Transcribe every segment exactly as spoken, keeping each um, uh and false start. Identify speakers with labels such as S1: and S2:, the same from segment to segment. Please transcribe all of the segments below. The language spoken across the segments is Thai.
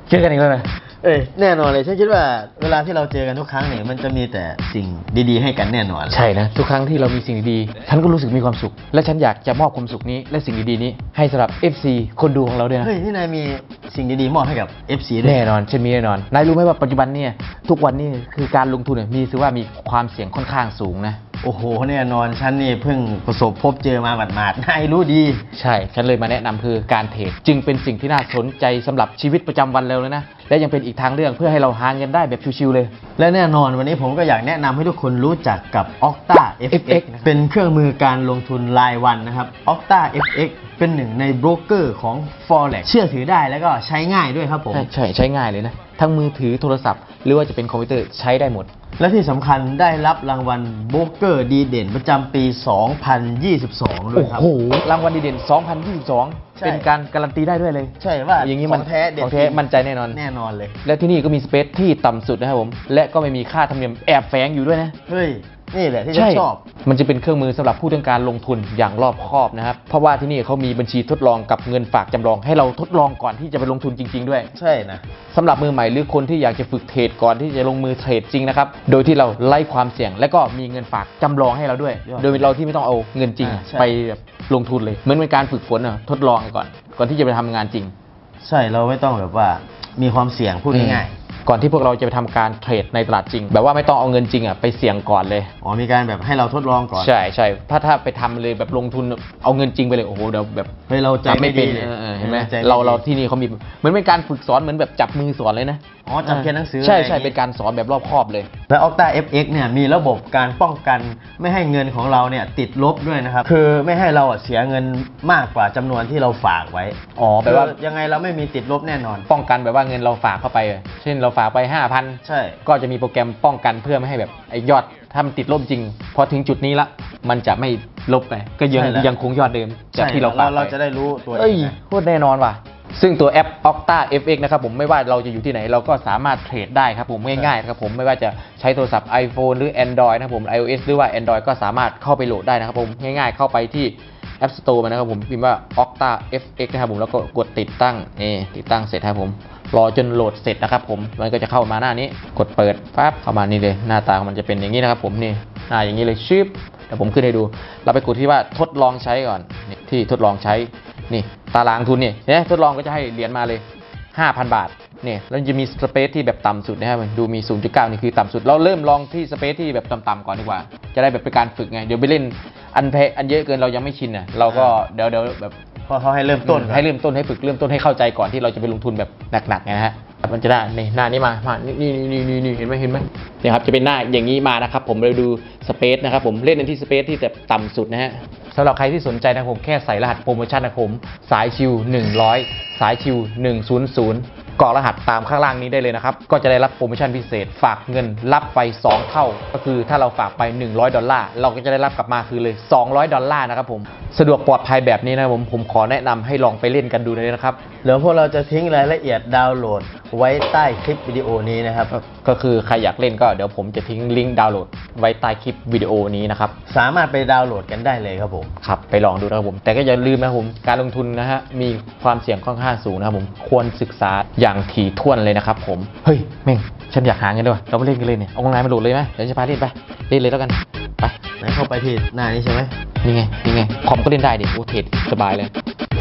S1: เจอกันอีกแล้วนะ
S2: เอ้ยแน่นอนเลยฉันคิดว่าเวลาที่เราเจอกันทุกครั้งเนี่ยมันจะมีแต่สิ่งดีๆให้กันแน่นอน
S1: ใช่นะทุกครั้งที่เรามีสิ่งดีๆฉันก็รู้สึกมีความสุขและฉันอยากจะมอบความสุขนี้และสิ่งดีๆนี้ให้สำหรับ เอฟ ซี คนดูของเราด้วยนะ
S2: เฮ้ยที่นายมีสิ่งดีๆมอบให้กับ เอฟ ซี ด้วย
S1: แน่นอนฉันมีแน่นอนนายรู้ไหมว่าปัจจุบันเนี่ยทุกวันนี้คือการลงทุนเนี่ยมีถือว่ามีความเสี่ยงค่อนข้างสูงนะ
S2: โอ้โหแน่นอนฉันนี่เพิ่งประสบพบเจอมาหมาดๆนายรู้ดี
S1: ใช่ฉันเลยมาแนะนำคือการเทรดจึงเป็นสิ่งที่น่าสนใจสำหรับชีวิตประจำวันเราเลยนะและยังเป็นอีกทางเลือกเพื่อให้เราหาเงินได้แบบชิวๆเลย
S2: และแน่นอนวันนี้ผมก็อยากแนะนำให้ทุกคนรู้จักกับ Octa เอฟ เอ็กซ์ เป็นเครื่องมือการลงทุนรายวันนะครับ Octa เอฟ เอ็กซ์ เป็นหนึ่งในโบรกเกอร์ของ Forex เชื่อถือได้แล้วก็ใช้ง่ายด้วยครับผม
S1: ใช่ใช้ง่ายเลยนะทั้งมือถือโทรศัพท์หรือว่าจะเป็นคอมพิวเตอร์ใช้ได้หมด
S2: และที่สำคัญได้รับรางวัลโบรกเกอร์ดีเด่นประจำปี สองพันยี่สิบสอง ด้วยครับ
S1: โอ้โหรางวัลดีเด่น สองพันยี่สิบสอง เป็นการการันตีได้ด้วยเลย
S2: ใช่ว่า
S1: อย่างนี้มัน
S2: แท้เด็ด
S1: ของแท้มั่นใจแน่นอน
S2: แน่นอนเลย
S1: และที่นี่ก็มีสเปซที่ต่ำสุดนะครับผมและก็ไม่มีค่าธรรมเนียมแอบแฝงอยู่ด้วยนะ
S2: เฮ้ยนี่แหละที่ฉันชอบ
S1: มันจะเป็นเครื่องมือสำหรับผู้ต้องการลงทุนอย่างรอบคอบนะครับเพราะว่าที่นี่เขามีบัญชีทดลองกับเงินฝากจำลองให้เราทดลองก่อนที่จะไปลงทุนจริงๆด้วย
S2: ใช่นะ
S1: สำหรับมือใหม่หรือคนที่อยากจะฝึกเทรดก่อนที่จะลงมือเทรดจริงนะครับโดยที่เราไล่ความเสี่ยงและก็มีเงินฝากจำลองให้เราด้วยโดยเราที่ไม่ต้องเอาเงินจริงไปแบบลงทุนเลยเหมือนเป็นการฝึกฝนอ่ะทดลองก่อนก่อนที่จะไปทำงานจริง
S2: ใช่เราไม่ต้องแบบว่ามีความเสี่ยงพูดง่าย
S1: ก่อนที่พวกเราจะไปทำการเทรดในตลาดจริงแบบว่าไม่ต้องเอาเงินจริงอ่ะไปเสี่ยงก่อนเลย
S2: อ๋อมีการแบบให้เราทดลองก่อน
S1: ใช่ใช่ถ้าถ้าไปทำเลยแบบลงทุนเอาเงินจริงไปเลยโอ้โหเดี๋ยวแบบ
S2: เฮ้ยเราใจไม่ดี
S1: เห็นไหมเราเราที่นี่เขามีเหมือนเป็นการฝึกสอนเหมือนแบบจับมือสอนเลยนะ
S2: อ๋อจับเขียนหนังสือ
S1: ใช่ใช่เป็นการสอนแบบรอบคอบเลย
S2: และ Octa เอฟ เอ็กซ์ เนี่ยมีระบบการป้องกันไม่ให้เงินของเราเนี่ยติดลบด้วยนะครับคือไม่ให้เราเสียเงินมากกว่าจำนวนที่เราฝากไว้
S1: อ๋อแปลว่า
S2: ยังไงเราไม่มีติดลบแน่นอน
S1: ป้องกันแบบว่าเงินเราฝากเข้าไปเช่นเราฝากไป ห้าพัน
S2: ใช่
S1: ก็จะมีโปรแกรมป้องกันเพื่อไม่ให้แบบไอ้ยอดถ้ามันติดลบจริงพอถึงจุดนี้ละมันจะไม่ลบไปก็ยังยังคงยอดเดิมจากที่เราฝากไป
S2: เราจะได้รู้ตัว
S1: เองโคตรแน่นอนว่ะซึ่งตัวแอป Octa เอฟ เอ็กซ์ นะครับผมไม่ว่าเราจะอยู่ที่ไหนเราก็สามารถเทรดได้ครับผมง่ายๆนะครับผมไม่ว่าจะใช้โทรศัพท์ iPhone หรือ Android นะครับผม iOS หรือว่า Android ก็สามารถเข้าไปโหลดได้นะครับผมง่ายๆเข้าไปที่ App Store มานะครับผมพิมพ์ว่า Octa เอฟ เอ็กซ์ นะครับผมแล้วก็กดติดตั้งนี่ติดตั้งเสร็จครับผมรอจนโหลดเสร็จนะครับผมมันก็จะเข้ามาหน้านี้กดเปิดปั๊บเข้ามานี่เลยหน้าตามันจะเป็นอย่างนี้นะครับผมนี่หน้าอย่างนี้เลยชิปเดี๋ยวผมขึ้นให้ดูเราไปกดที่ว่าทดลองใช้ก่อนที่ทดลองใช้นี่ตารางทุนนี่เนี่ยทดลองก็จะให้เหรียญมาเลย ห้าพัน บาทเนี่ยแล้วจะมีสเปซที่แบบต่ำสุดนะครับดูมี ศูนย์จุดเก้า นี่คือต่ำสุดเราเริ่มลองที่สเปซที่แบบต่ำๆก่อนดีกว่าจะได้แบบเป็นการฝึกไงเดี๋ยวไปเล่นอันเพอันเยอะเกินเรายังไม่ชินอ่ะเราก็เดี๋ยวเดี๋ยวแบบ
S2: พอเขาให้เริ่มต้น
S1: ให้เริ่มต้นให้ฝึกเริ่มต้นให้เข้าใจก่อนที่เราจะไปลงทุนแบบหนักๆไงนะฮะมันจะได้ในหน้านี้มามานี่นี่นี่นี่นี่เห็นไหมเห็นไหมเนี่ยครับจะเป็นหน้าอย่างนี้มานะครับผมเราดูสเปซนะครับผมเล่นในที่สเปซที่แบบต่ำสุดนะฮะสำหรับใครที่สนใจนะครับผมแค่ใส่รหัสโปรโมชั่นนะครับผมสายชิวหนึ่งร้อยสายชิวหนึ่งศูนย์ศูนย์กรอกรหัสตามข้างล่างนี้ได้เลยนะครับก็จะได้รับโปรโมชั่นพิเศษฝากเงินรับไปสองเท่าก็คือถ้าเราฝากไปหนึ่งร้อยดอลลาร์เราก็จะได้รับกลับมาคือเลยสองร้อยดอลลาร์นะครับผมสะดวกปลอดภัยแบบนี้นะครับผมผมขอแนะนำให้ลองไปเล่นกันดูเลยนะครับ
S2: เดี๋ยวพวกเราจะทิ้งรายละเอียดดาวน์โหลดไว้ใต้คลิปวิดีโอนี้นะครับ
S1: ก็คือใครอยากเล่นก็เดี๋ยวผมจะทิ้งลิงก์ดาวน์โหลดไว้ใต้คลิปวิดีโอนี้นะครับ
S2: สามารถไปดาวน์โหลดกันได้เลยครับผม
S1: ครับไปลองดูนะครับผมแต่ก็อย่าลืมนะครับผมการลงทุนนะฮะมีความเสี่ยงค่อนข้างสูงนะครับผมควรศึกษาอย่างถี่ถ้วนเลยนะครับผมเฮ้ยเม่งฉันอยากหาเงินด้วยเราไปเล่นกันเลยเนี่ยเอาออนไลน์มาโหลดเลยไหมเดี๋ยวจะพาเล่นไปเล่นเลยแล้วกันไป
S2: ไหนเข้าไปที่หน้านี้ใช่ไหม
S1: นี่ไงนี่ไงคอมก็เล่นได้ดิโอ้เทรดสบายเลย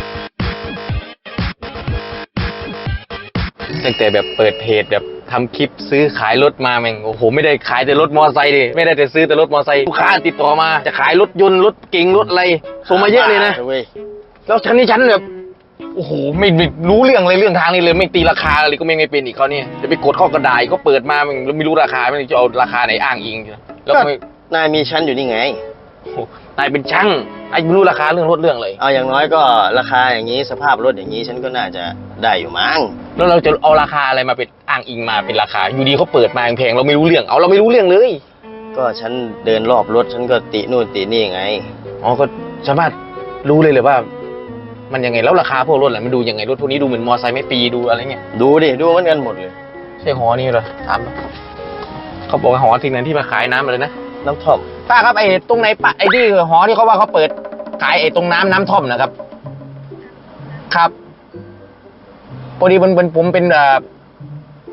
S1: ตั้งแต่แบบเปิดเพจแบบทำคลิปซื้อขายรถมาแม่งโอ้โหไม่ได้ขายแต่รถมอเตอร์ไซค์ดิไม่ได้แต่ซื้อแต่รถมอเตอร์ไซค์ลูกค้าติดต่อมาจะขายรถยนต์รถเก๋งรถอะไรส่งมาเยอะเลยนะแล้วฉันนี่ฉันแบบโอ้โหไม่รู้เรื่องเลยเรื่องทางนี้เลยไม่ตีราคาอะไรก็ไม่ไม่เป็นอีกเขาเนี่ยจะไปกดข้อกระดาษก็เปิดมามันไม่รู้ราคาไม่จะเอาราคาไหนอ้างอิง
S2: แล้วนายมีชั้นอยู่นี่ไง
S1: นายเป็นช่างไอ้ไม่รู้ราคาเรื่องรถเรื่องเลย
S2: เอาอย่างน้อยก็ราคาอย่างนี้สภาพรถอย่างนี้ฉันก็น่าจะได้อยู่มั้ง
S1: แล้วเราจะเอาราคาอะไรมาเป็นอ้างอิงมาเป็นราคาอยู่ดีเขาเปิดมาแพงเราไม่รู้เรื่องเอาเราไม่รู้เรื่องเลย
S2: ก็ฉันเดินรอบรถฉันก็ตินู่นตินี่ไง
S1: อ๋อก็สามารถรู้เลยเลยว่ามันยังไงแล้วราคาพวกรถอะไรมันดูยังไงรถพวกนี้ดูเหมือนมอไซค์ไม่ปีดูอะไรเงี้ย
S2: ดูดิดูเหมือนกันหมดเลย
S1: ใช่หอนี่เหรอถามเขาบอกหอสิ่งนั้นที่มาขายน้ำอะไรนะ
S2: น้ำท่อม
S1: ป้าครับไอ้ตรงไหนปะไอ้ที่หอที่เขาว่าเขาเปิดขายไอ้ตรงน้ำน้ำท่อมนะครับครับพอดีมันเป็นผมเป็น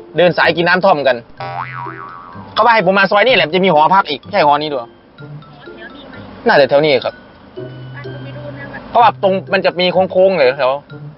S3: เดินสายกินน้ำท่อมกัน เขาว่าให้ผมมาซอยนี่แหละจะมีหอพักอีกใช่หอนี้ด้วยน่าจะแถวนี้ครับ เพราะว่าตรงมันจะมีโค้งๆเลยแถว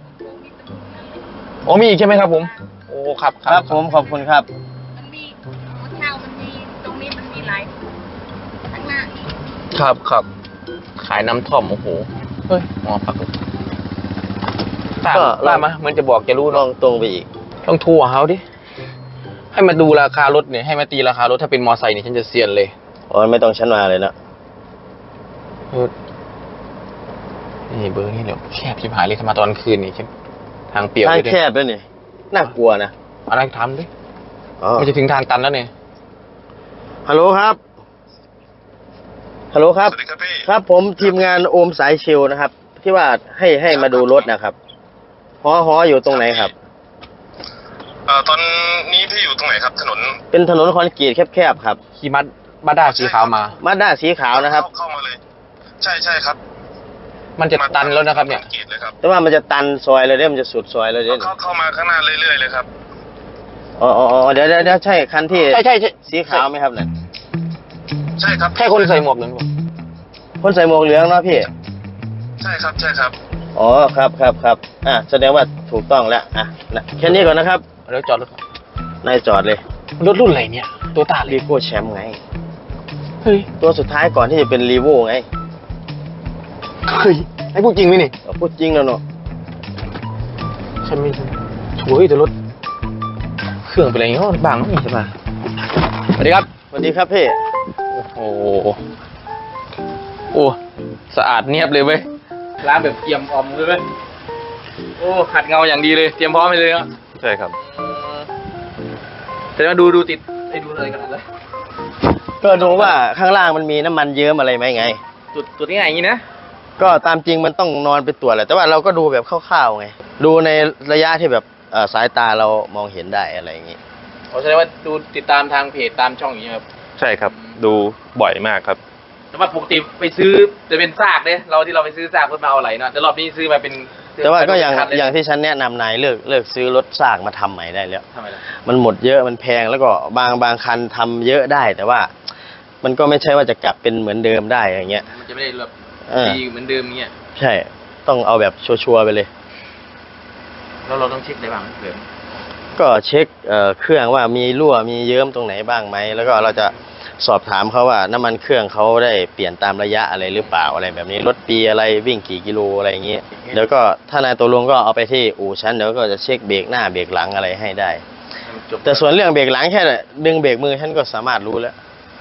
S3: โอ้มีอีกใช่ไหมครับผม โอ้ครับ
S2: ครับผมขอบคุณครับ
S4: มันมีหัวเช่ามันมีตรงนี้มันมีหลายข้างหน้าอีก
S3: ครับครับขายน้ำท่อมโอ้โหเฮ้ยหอพักตาม
S2: ก็
S3: ตามมาเหมือนจะบอกจะรู้
S2: ล
S3: เนาะ
S2: องตรงไปอีก
S3: ต้องทัวร์เขาดิให้มาดูราคารถเนี่ยให้มาตีราคารถถ้าเป็นมอไซค์เนี่ยฉันจะเซียนเลย
S2: อ๋อไม่ต้องฉันมาเลยนะ
S3: เออนี่เบอร์นี่เดี๋ยวแคบชิบหายเลยถ้ามาตอนคืนนี่ฉันทางเปี่ยว
S2: ทาง
S3: เลย
S2: แคบด้วยนี่น่ากลัวนะ
S3: อะไรทำดิ
S2: อ๋อ
S3: มันจะถึงทางตันแล้วเนี่ย
S2: ฮัลโหลครับฮัลโหลครับ
S5: สวัสดีครับพี่
S2: ครับผมทีมงานโอมสายชิลนะครับ ที่ว่าให้ให้มาดูรถนะครับหอหออยู่ตรงไหนครับ
S5: เอ่อตอนนี้พี่อยู่ตรงไหนครับ ถนน
S2: เป็นถนนคอนกรีตแคบๆครับ
S3: ขี่มัดมาด้าสีขาวมา
S2: มาด้าสีขาวนะครับ
S5: เข้าเข้ามาเลย ใช่ใช่ครับ
S3: มันจะตันแล้วนะครับเนี่ย
S5: กรีดเลยครับ
S2: แต่ว่ามันจะตันซอยเลยเด้มันจะสุดซอยเลยเด้
S5: เข้าเข้ามาข้างหน้าเรื่อยๆเลยครับ
S2: อ๋ออ๋ออ๋อเดี๋ยวเดี๋ยวเดี๋ยวใช่คันที่
S3: ใช่ใช่ใช่
S2: สีขาวไหมครับเนี่ย
S5: ใช่ครับ
S3: ใช่คนใส่หมวกนั้นปะ
S2: คนใส่หมวกเหลืองเนาะพี่
S5: ใช่ครับใช่ครับ
S2: อ๋อครับครับครับอ่ะแสดงว่าถูกต้องแล้วอ่ะนะแค่นี้ก่อนนะครับ
S3: เดี๋ยวจอดรถก่อน
S2: นายจอดเลย
S3: รถรุ่นอะไรเนี่ย ตัวตาเล
S2: รี
S3: ย
S2: โก้แชมป์ไง
S3: เฮ้ย
S2: ตัวสุดท้ายก่อนที่จะเป็นรีโวไง
S3: เฮ้ยไอ้พูดจริงไหมนี่
S2: เอาพูดจริงแล้วเนาะ
S3: ฉันไม่ช่วยแต่รถ เครื่องเป็นอะไรเงี้ยบางนี่ใช่ปะสวัสดีครับ
S2: สวัสดีครับพี่
S3: โอ้โหโอ้สะอาดเนียบเลยเว้ยร้านแบบเตรียมออมเลยเว้ยโอ้ขัดเงาอย่างดีเลยเตรียมพร้อมไปเลยเนาะ
S5: ใช่ครับ
S3: แต่ว่าดูดูติดไอ้ดูอะไรกันเลย
S2: ก็ดูว่าข้างล่างมันมีน้ำมันเยิ้มอะไรไหมไง
S3: จุดจุดง่ายอย่างนี้นะ
S2: ก็ตามจริงมันต้องนอนไปตรวจแหละแต่ว่าเราก็ดูแบบคร่าวๆไง ดูในระยะที่แบบเอ่อสายตาเรามองเห็นได้อะไรอย่างงี้
S3: ผมแสดงว่าดูติดตามทางเพจตามช่องอย่างนี้ยครับ
S5: ใช่ครับ ดูบ่อยมากครับ
S3: แต่ว่าปกติไปซื้อจะเป็นซากเนี่ยเราที่เราไปซื้อซากเพื่อมาเอาอะไรเนาะแต่รอบนี้ซื้อมาเป็น
S2: แต่ว่าก็อย่าง
S3: คันเล
S2: อย่างที่ฉันแนะนำนายเลิกเลิกซื้อรถซากมาทำใหม่ได้แล้ว
S3: ทำไมล่ะ
S2: มันหมดเยอะมันแพงแล้วก็บางบางคันทำเยอะได้ แต่ว่ามันก็ไม่ใช่ว่าจะกลับเป็นเหมือนเดิมได้อย่างเงี้ย
S3: มันจะไม่ได้แบบ
S2: เออ
S3: ดีเหมือนเดิมเงี้ย
S2: ใช่ ต้องเอาแบบชัวร์ๆไปเลย
S3: แล้วเราต้องเช็คได้บ้างเดิม
S2: ก็เช็คเอ่อเครื่องว่ามีรั่วมีเยิ้มตรงไหนบ้างไหมแล้วก็เราจะสอบถามเขาว่าน้ำมันเครื่องเขาได้เปลี่ยนตามระยะอะไรหรือเปล่าอะไรแบบนี้รถปีอะไรวิ่งกี่กิโลอะไรอย่างเงี้ยเดี๋ยวก็ถ้านายตกลงก็เอาไปที่อู่ชั้นเดี๋ยวก็จะเช็คเบรกหน้าเบรกหลังอะไรให้ได้
S3: ให้มันจบ
S2: แต่ส่วนเรื่องเบรกหลังแค่ดึงเบรกมือฉันก็สามารถรู้แล้ว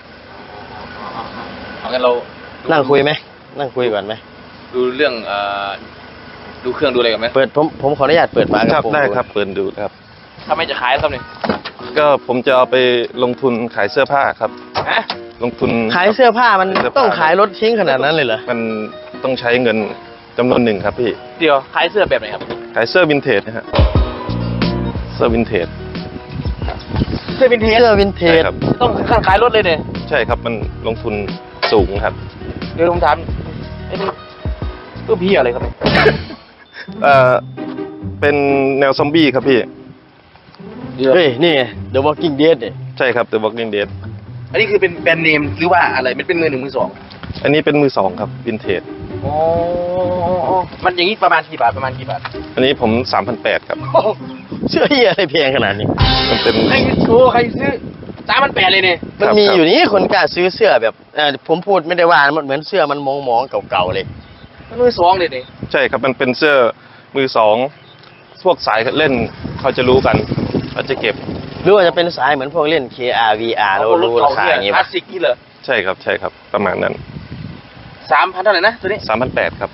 S3: เอางั้นเรา
S2: นั่งคุยไหมนั่งคุยก่อนไหม
S3: ดูเรื่องเอ่อดูเครื่องดูอะไรกันไหม
S2: เปิดผมผมขออนุญาตเปิดฝาก
S5: ค
S2: ระ
S5: รับ
S2: โปรง
S5: ได้
S2: ดู
S5: ครับ เปิดดูครับ
S3: ถ้าไม่จะขายแล้วครับเนี่ย
S5: ก็ผมจะเอาไปลงทุนขายเสื้อผ้าครับ
S3: ฮะ
S5: ลงทุน
S2: ขายเสื้อผ้ามัน
S5: เสื้อผ้า
S2: ต้องขายรถทิ้งขนาดนั้นเลยเหรอ
S5: มันต้องใช้เงินจำนวนหนึ่งครับพี่
S3: เดี๋ยวขายเสื้อแบบไหนครับ
S5: ขายเสื้อวินเทจนะฮะ เสื้อวินเทจ
S3: เสื้อวินเทจ
S2: เสื้อวินเท
S5: ใช่
S2: จ
S5: ครับ
S3: ต้องขั้นขายรถเลยเนี่ย
S5: ใช่ครับ มันลงทุนสูงครับ
S3: เดี๋ยวผมถามไอ้นี่ตัวพี่อะไรครับเนี่ย
S5: เอ่อ เป็นแนวซอมบี้ครับพี่
S2: เฮ้ยนี่ไง The Walking Dead เนี่ย
S5: ใช่ครับ The Walking Dead
S3: อันนี้คือเป็นแบรนด์เนมหรือว่าอะไรมันเป็นมือหนึ่งมือสอง
S5: อันนี้เป็นมือสองครับ วินเทจ
S3: อ๋อมันอย่างนี้ประมาณกี่บาทประมาณกี่บาท
S5: อันนี้ผม สามพันแปดร้อย ครับ
S2: เสื้อเหี้ยอะไรแพงขนาดนี้
S5: มันเป็น
S3: ใครโอ้ใครซื้อสามพันแปดเลยเนี่ย
S2: มัน
S5: ครับ
S2: มี
S5: ครับ
S2: อยู่นี่คนกล้าซื้อเสื้อแบบเอ่อผมพูดไม่ได้ว่ามันเหมือนเสื้อมันมองมองๆเก่าๆเลย
S3: มันมือสองเลยเนี่ย
S5: ใช่ครับ มันเป็นเสื้อมือสอง พวกสายเล่นเขาจะรู้กันเขาจะเก็บ
S2: หรือว่าจะเป็นสายเหมือนพวกเล่น เค อาร์ วี อาร์ แล้วรู้ราคาอย่างงี้
S3: คลา
S2: ป่ะ
S3: สสิกนี่เหรอ
S5: ใช่ครับ ใช่ครับ ประมาณนั้น
S3: สามพันเท่าไหร่นะตัวนี้
S5: สามพันแปดครับ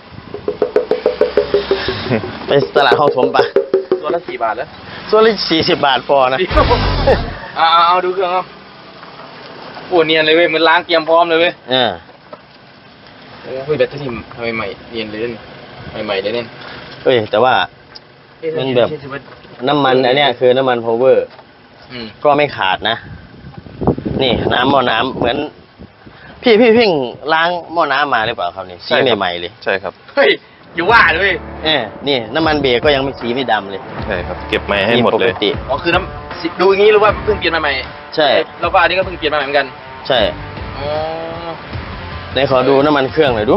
S2: ไปตลาดห้องถมปะ
S3: ตัวละสี่บาทแล้ว
S2: ส่วนละสี่สิบบาทพอนะ
S3: เอาเอาเอาดูเครื่องเอาโอ้เนียนเลยเว้ยเหมือนล้างเตรียมพร้อมเลยเว้ย
S2: เออ
S3: โอ้ยแบตเตอรี่ทำไมใหม่เนียนเลยเนี่ยใหม่ๆเลยเนี่ย
S2: เฮ้ยแต่ว่า มันแบบ น้ำมันอันเนี้ยคือน้ำมันพาวเวอร์
S3: อืม
S2: ก็ไม่ขาดนะ นี่น้ำหม้อน้ำเหมือน พี่พี่เพิ่งล้างหม้อน้ำมาหรือเปล่าครับนี่
S5: ใช่
S2: สี
S5: ครับ
S2: ใหม่ๆเลย
S5: ใช่ครับ
S3: เฮ้ยอยู่ว่าเลย
S2: เออนี่น้ำมันเบรกก็ยังไม่สีไม่ดำเลย
S5: ใช่ครับ เก็บใหม่ให้หมดเลย
S2: ปกติ
S3: อ๋อคือน้ำสิดูอย่างนี้หรือว่าเพิ่งเปลี่ยนมาใหม่
S2: ใช่
S3: แล้วก็อันนี้ก็เพิ่งเปลี่ยนมาใหม่เหมือนกัน
S2: ใช่
S3: อ๋อ
S2: ไหนขอดูน้ำมันเครื่องหน่อยดู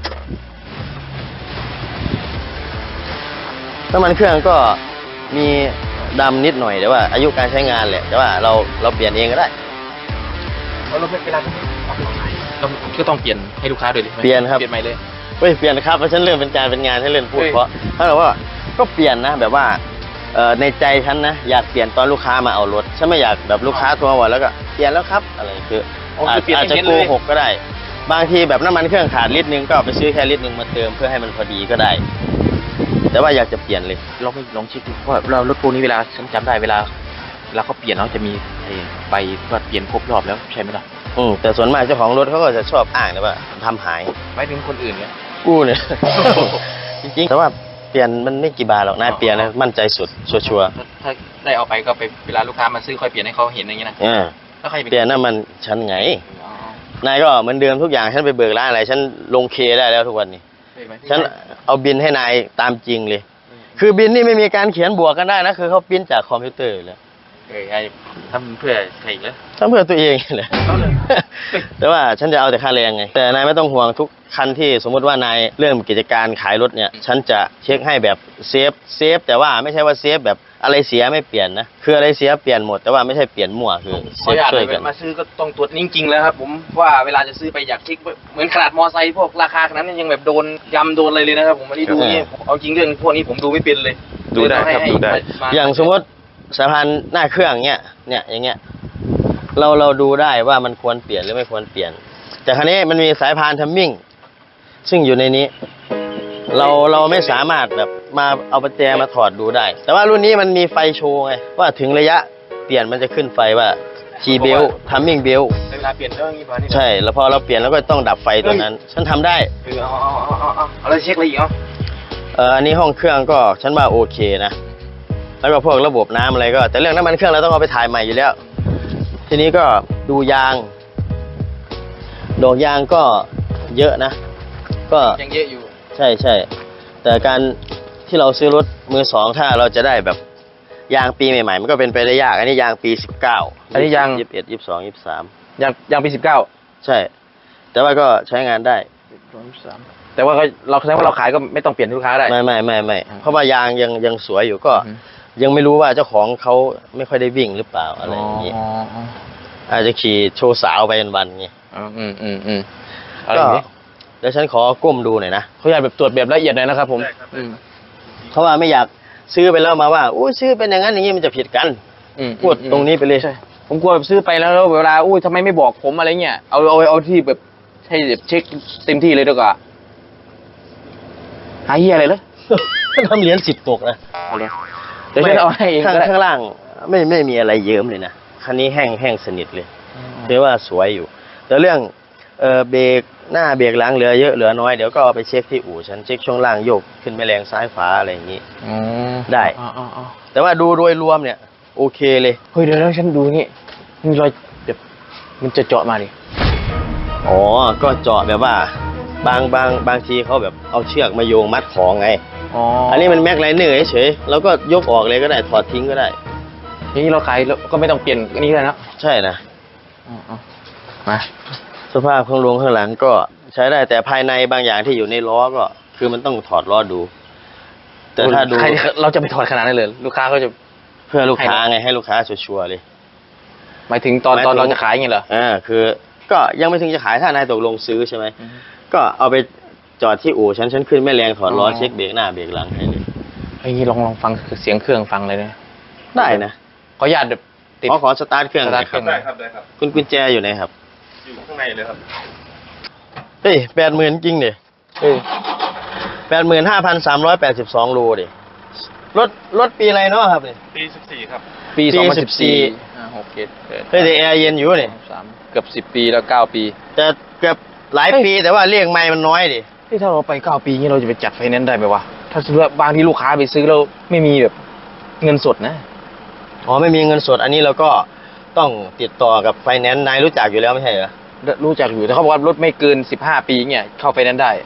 S2: น้ำมันเครื่องก็มีดำนิดหน่อยแต่ว่า อายุการใช้งานแหละแต่ว่าเราเราเปลี่ยนเองก็ได้
S3: เราเวลาเราก็ต้องเปลี่ยนให้ลูกค้าด้วยเลย
S2: เปลี่ยนครับ
S3: เปลี่ยนใหม่เลย
S2: เฮ้ยเปลี่ยนนะครับเพราะฉันเริ่มเป็นการเป็นงานฉันเริ่มพูด
S3: เฮ้ย
S2: เพราะถ้าเราว่าก็เปลี่ยนนะแบบว่าเอ่อในใจฉันนะอยากเปลี่ยนตอนลูกค้ามาเอารถฉันไม่อยากแบบลูกค้าโทรมาบอกแล้วก็เปลี่ยนแล้วครับอะไรคือ
S3: อ๋อ
S2: อา
S3: คื
S2: จ
S3: อเปลี่ยน
S2: อาจจะ
S3: ให้
S2: โก
S3: เน้นเลย
S2: หกก็ได้ บางทีแบบน้ำมันเครื่องขาดลิตรนึงก็เอาไปซื้อแค่ลิตรนึงมาเติมเพื่อให้มันพอดีก็ได้ แต่ว่าอยากจะเปลี่ยนเลย
S3: ลองไปลองเช็คดูเพราะเรารถพวกนี้เวลาฉันจำได้เวลาเวลาเขาเปลี่ยนเขาจะมีไอ้ใบว่าเปลี่ยนครบรอบแล้วใช่ไหมล่ะ
S2: อืมแต่ส่วนมากเจ้าของรถเขาก็จะชอบอ้างนะว่าทำหาย
S3: หมายถึงคนอื่นเนี่ย
S2: กู้เนี่ย จริงๆแต่ว่าเปลี่ยนมันไม่กี่บาทหรอกนายเปลี่ยนนะมั่นใจสุดชัวร์
S3: ถ้าได้เอาไปก็ไปเวลาลูกค้ามาซื้อค่อยเปลี่ยนให้เขาเห็นอย่างนี้นะ
S2: ๆอ่า
S3: แล้วใคร
S2: เปลี่ยนน้ำมันฉันไง
S3: อ๋อน
S2: ายก็เหมือนเดิมทุกอย่างฉันไปเบิกร้านอะไรฉันลงเคได้แล้วทุกวันนี้
S3: เห็นไหม
S2: ฉันเอาบินให้นายตามจริงเลย คือบินนี่ไม่มีการเขียนบวกกันได้นะคือเขาปริ้นจากคอมพิวเตอร์อยู่แล้ว
S3: เออไอ้ทำเพื่อใครอีกแล้ว
S2: ทำเพื่อตัวเองเลย
S3: เอาเลย
S2: แต่ว่าฉันจะเอาแต่ค่าแรงไง แต่นายไม่ต้องห่วงทุกคันที่สมมติว่านายเริ่มกิจการขายรถเนี่ย ฉันจะเช็คให้แบบเซฟเซฟแต่ว่าไม่ใช่ว่าเซฟแบบอะไรเสียไม่เปลี่ยนนะคืออะไรเสียเปลี่ยนหมดแต่ว่าไม่ใช่เปลี่ยนมั่วคือเซ
S3: ขออ
S2: ฟ
S3: นุญาต
S2: ช่วย
S3: เล
S2: กั
S3: ย
S2: น
S3: มาซื้อก็ต้องตรวจจริงๆแล้วครับ ผมว่าเวลาจะซื้อไปอยากเช็คเหมือนขนาดมอไซค์พวกราคาขนาดนั้นยังแบบโดนยำโดนอะไรเลยนะครับผมวันนี้ดูนี่เอาจริงเรื่องพวกนี้ผมดูไม่เป็นเลย
S5: ดูได้ครับ
S3: ให้
S5: ดูได้
S3: มา
S2: อย่างสมมติสายพานหน้าเครื่องเนี่ยเนี่ยอย่างเงี้ยเราเราดูได้ว่ามันควรเปลี่ยนหรือไม่ควรเปลี่ยน แต่ครั้นี้มันมีสายพานทัมมิ่งซึ่งอยู่ในนี้ เราเราไม่สามารถแบบมาเอาประแจมาถอดดูได้ แต่ว่ารุ่นนี้มันมีไฟโชว์ไงว่าถึงระยะเปลี่ยนมันจะขึ้นไฟว่า G belt timing belt
S3: เวลาเปลี่ยนเรื่องนี้พอนี่
S2: ใช่แล้วพอเราเปลี่ยนแล้วก็ต้องดับไฟตัวนั้น ฉันทำได้
S3: เออเอาเอาเอาเอาเอาเอาแล้วเช็คอะไรอีกเอา
S2: เอออันนี้ห้องเครื่องก็ฉันว่าโอเคนะแล้วก็พวกระบบน้ำอะไรก็ แต่เรื่องน้ำมันเครื่องเราต้องเอาไปถ่ายใหม่อยู่แล้ว ทีนี้ก็ดูยางดอกยางก็เยอะนะ ก็
S3: ยังเยอะอยู่
S2: ใช่ใช่แต่การที่เราซื้อรถมือสองถ้าเราจะได้แบบยางปีใหม่ๆมันก็เป็นไปได้ยากอันนี้ยางปีสิบเก้า
S3: อันนี้ยาง
S2: ยี่สิบเอ็ดยี่สิบสองยี่สิบสาม
S3: ยังยังปีสิบเก้า
S2: ใช่ แต่ว่าก็ใช้งานได้
S3: แต่ว่าก็เราแสดงว่าเราขายก็ไม่ต้องเปลี่ยนให้ลูกค้าได้
S2: ไม่ไม่ไม่ไม่
S3: อืม
S2: เพราะว่ายางยังยังสวยอยู่ก็
S3: อืม
S2: ยังไม่รู้ว่าเจ้าของเขาไม่ค่อยได้วิ่งหรือเปล่าอะไรอย่างนี้
S3: อ๋ออ๋อ
S2: อาจจะขี่โชว์สาวไปวันๆไง
S3: อ๋ออืมอืมอืมอะไร
S2: ก็
S3: อย่างนี้
S2: เดี๋ยวฉันขอก้มดูหน่อยนะ
S3: เขาอยากแบบตรวจแบบละเอียดหน่อยนะครับผม
S5: ได้ครับ
S3: อืม
S2: เพราะว่าไม่อยากซื้อไปแล้วมาว่าอู้ซื้อเป็นอย่างนั้นอย่างนี้มันจะผิดกัน
S3: อืม
S2: พูดตรงนี้ไปเลย
S3: ใช่ผมกลัวแบบซื้อไปแล้วแล้วเวลาอุ้ยทำไมไม่บอกผมอะไรเงี้ยเอาเอาเอาที่แบบให้แบบเช็คเต็มที่เลยดีกว่าหาเฮียอะไรเลย
S2: ทำเหรียญสิบตกนะ
S3: เอาเลยเดี๋ยวฉันเอาให้เอง
S2: ข้าง
S3: ก็ได้
S2: ข้างล่างไม่ไม่มีอะไรเยิ้มเลยนะคันนี้แห้งแห้งสนิทเลยถือว่าสวยอยู่ แต่เรื่องเออเบรกหน้าเบรกหลังเหลือเยอะเหลือน้อยเดี๋ยวก็เอาไปเช็คที่อู่ฉันเช็คช่วงล่างโยกขึ้นไปแรงซ้ายฝาอะไรอย่างนี้
S3: อืม
S2: ได้
S3: อ๋ออ๋ออ๋อ
S2: แต่ว่าดูโดยรวมเนี่ย โอเคเลย
S3: เฮ้ยเดี๋ยวแล้วฉันดูนี่มีรอยแบบมันจะเจาะมาดิ
S2: อ๋อก็เจาะแบบว่า บางบางบางทีเขาแบบเอาเชือกมาโยงมัดของไง
S3: อ๋อ
S2: อันนี้มันแม็กไลเนอร์เฉยๆแล้วก็ยกออกเลยก็ได้ถอดทิ้งก็ได้
S3: อย่างนี้เราขายแล้วก็ไม่ต้องเปลี่ยนอันนี้เลยนะ
S2: ใช่นะ
S3: อ๋ออ๋อมา
S2: สภาพข้างลงข้างหลังก็ใช้ได้แต่ภายในบางอย่างที่อยู่ในล้อก็ คือมันต้องถอดล้อดู แต่ถ้าดู
S3: ใครเราจะไปถอดขนาดนั้นเลย ลูกค้าเขาจะ
S2: เพื่อลูกค้าไงให้ลูกค้าชัวร์ๆเลย
S3: หมายถึงตอน
S2: หมายถึง
S3: ตอนเราจะขายอย่างเงี้ยเหรอ
S2: อ่าคือก็ยังไม่ถึงจะขายถ้านายตกลงซื้อใช่ไหม
S3: อือฮึ
S2: ก็เอาไปจอดที่อู่ฉันฉันขึ้นแม่แรงถอดล้อ
S3: อ๋อ
S2: เช็คเบรกหน้าเบรกหลังให้เลย
S3: ไอ้นี่ลองลองฟังเสียงเครื่องฟังเลยนะ
S2: ได้นะ
S3: ขออนุญาตแบบติด
S2: ขอขอสตาร์ทเครื่องหน่อย
S3: ส
S2: ค
S3: ตา
S2: รั
S3: ร์
S2: บ
S3: ท
S5: ได้ครับได้ครับ
S2: คุณกุญแจอยู่ไหนครับ
S5: อยู่ข้างในเลยครับ
S2: เฮ้ยแปดหมื่นจริงดิเออแปดหมื่นห้าพันสามร้อยแปดสิบสองโลดิรถรถปีอะไรเนาะครับเนี่ย
S5: ปีสิบสี่ครับ
S3: ปี
S2: ปี
S3: สองพันสิบสี่
S2: สิบสี่
S3: ห้าหกเจ็ดแปด
S2: เฮ้ยแต่แอร์เย็นอยู่นี่
S3: สามเกือบสิบปีแล้วเก้าปี
S2: แต่เกือบหลายปีแต่ว่าเรียกไม่มันน้อยดิ
S3: ที่ถ้าเราไปเก้าปีนี้เราจะไปจัดไฟแนนซ์ได้ไหมวะถ้าซื้อบางที่ลูกค้าไปซื้อแล้วไม่มีแบบเงินสดนะ
S2: อ๋อไม่มีเงินสดอันนี้เราก็ต้องติดต่อกับไฟแนนซ์นายรู้จักอยู่แล้วไม่ใช่เหรอ
S3: รู้จักอยู่แต่เขาบอกว่ารถไม่เกินสิบห้าปีเนี่ยเข้าไฟแนนซ์ได้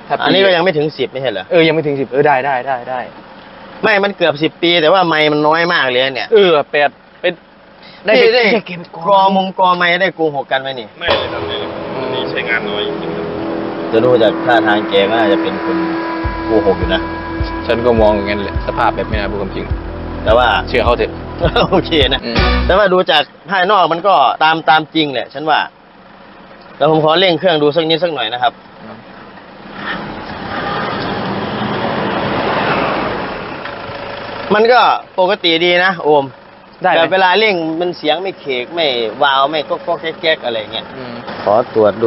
S3: ถ้าปี
S2: อันนี้ก็ยังไม่ถึงสิบไม่ใช่เหรอ
S3: เออยังไม่ถึงสิบเออได้ได้ได้ได้
S2: ไม่ มันเกือบสิบปี แต่ว่าไม้มันน้อยมากเลยเนี่ย
S3: เออแปดเป็นได้
S2: ได้
S3: ไป
S2: ได้
S3: แค่เก็บ
S2: กรอมงกรอไม้ได้โกหกกันไหมนี่
S5: ไม่เลยครับไม่เลยอันนี้ใช้งานน้อยจริงๆครับ
S2: จะดูจากท่าทางแกก็น่าจะเป็นคนโกหกอยู่นะ
S3: ฉันก็มองอย่างนั้นแหละสภาพแบบไม่น่าพูดความจริง
S2: แต่ว่า
S3: เชื่อเขาเถอะ
S2: โอเคนะ
S3: อืม
S2: แต่ว่าดูจากภายนอกมันก็ตามตามจริงแหละ ฉันว่าแล้วผมขอเร่งเครื่องดูสักนิดสักหน่อยนะครับ มันก็ปกติดีนะโอม
S3: ได้ไหม
S2: แต่เวลาเร่งมันเสียงไม่เคกไม่วาวไม่ก็ก็แก๊กๆอะไรเงี้ย
S3: อืม
S2: ขอตรวจดู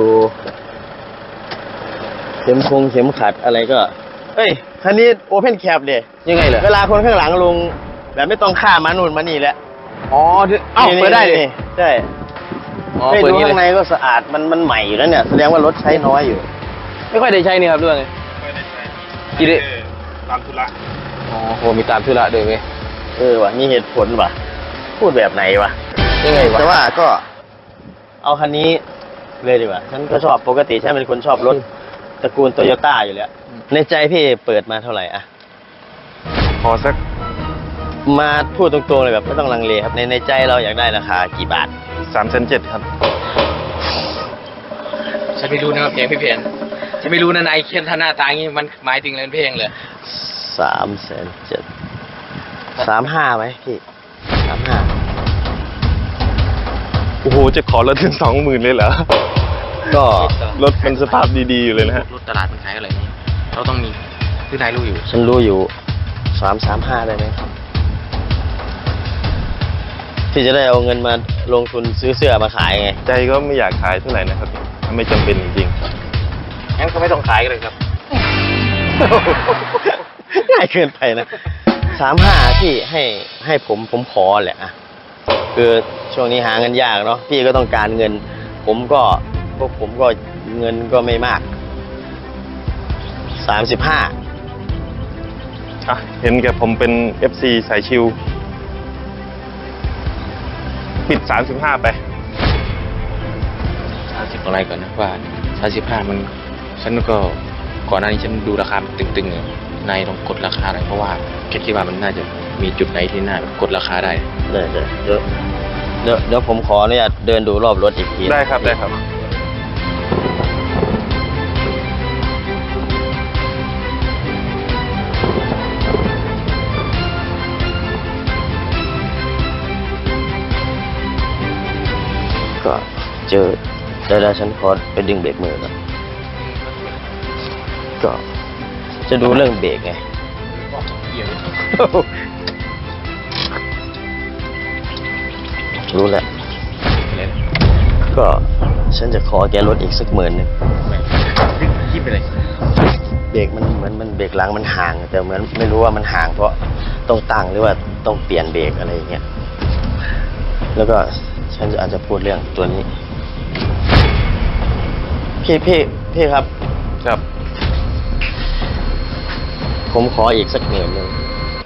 S2: เข็มคงเข็มขัดอะไรก็ เอ้ยคันนี้โอเพนแคปเดย
S3: ยังไงเหรอ
S2: เวลาคนข้างหลังลงแบบไม่ต้องข้ามมานู่นมานี่แล้ว
S3: อ๋อเอ้าเปิดได้เลย
S2: นี่ใช่
S3: อ๋อ
S2: ไม่
S3: เปิด
S2: ดู
S3: นี้เล
S2: ข้างใน
S3: ย
S2: ก็สะอาดมันมันใหม่อยู่แล้วเนี่ยแสดงว่ารถใช้น้อยอยู่
S3: ไม่ค่อยได้ใช้นี่ครับด้วยไง
S5: ไม่ได้ใช้
S3: กี่เดือน
S5: ตามธุระ
S3: อ๋อโหมีตามธุระด้วยเว้ย
S2: เออว่ะมีเหตุผลว่ะ พูดแบบไหนวะ
S3: ยังไงวะ
S2: แต่ว่าก็ เอาคันนี้เลยดีกว่า ฉันก็ชอบปกติฉันเป็นคนชอบรถตระกูลโตโยต้าอยู่แล้ว ในใจพี่เปิดมาเท่าไหร่อะ
S5: พอสัก
S2: มาพูดตรงๆเลยแบบไม่ต้องลังเลครับ ในในใจเราอยากได้ราคากี่บาท
S5: สามแสนเจ็ดครับ
S3: ฉันไม่รู้นะครับเพลงพี่เพนฉันไม่รู้นะนายเขียนท่าหน้าตาอย่างนี้มันหมายถึงเรื่องเพลงเลย
S2: สามแสนเจ็ดสามห้าไหมพี่สามห้า
S5: โอ้โห จะขอลดถึงสองหมื่นเลยเหรอ
S2: ก็
S5: รถมันสภาพดีๆอยู่เลยนะฮะ
S3: รถตลาดมันขายอะไรนี่เราต้องมีคือนายรู้อยู่
S2: ฉันรู้อยู่สามสามห้าได้ไหมครับที่จะได้เอาเงินมาลงทุนซื้อเสื้อมาขายไง
S5: ใจก็ไม่อยากขายเท่าไหร่นะครับถ้าไม่จำเป็นจริง
S3: งั้นก็ไม่ต้องขายกันเลยครับ
S2: ง่ายเกินไปนะสามห้าที่ให้ให้ผมผมขอแหละอะคือช่วงนี้หาเงินยากเนาะพี่ก็ต้องการเงิน ผมก็พวกผมก็เงินก็ไม่มากสามสิบห้า
S5: ๆอ่ะเห็นแกผมเป็น เอฟ ซี สายชิว ปิดสามสิบห้าไป
S3: สามสิบอะไรก่อนนะว่าสามสิบห้ามันฉันก็ก่อนหน้านี้ฉันดูราคาตึงๆเลยนายต้องกดราคาหน่อยเพราะว่าแค่คิดว่ามันน่าจะมีจุดไหนที่น่าแบบกดราคาได้
S2: เดี๋ยวเดี๋ยวเดี๋ยวเดี๋ยวเดี๋ยวผมขออนุญาตเดินดูรอบรถอีกที
S5: ได้ครับได้ครับ
S2: ก็เจอเดี๋ยวๆฉันขอไปดึงเบรกมือก่อนก็จะดูเรื่องเบรกไง รู้แล้ว ก็ฉันจะขอแกลดอีกสักหมื่นหนึ่ง
S3: คิดไปเลย
S2: เบรกมันเหมือนมันเบรกหลังมันห่าง แต่เหมือนไม่รู้ว่ามันห่างเพราะต้องตั้งหรือว่าต้องเปลี่ยนเบรกอะไรอย่างเงี้ย แล้วก็ฉันจะอาจจะพูดเรื่องตัวนี้ พี่พี่พี่ครับ
S5: ครับ
S2: ผมขออีกสักหมื่นหนึ่ง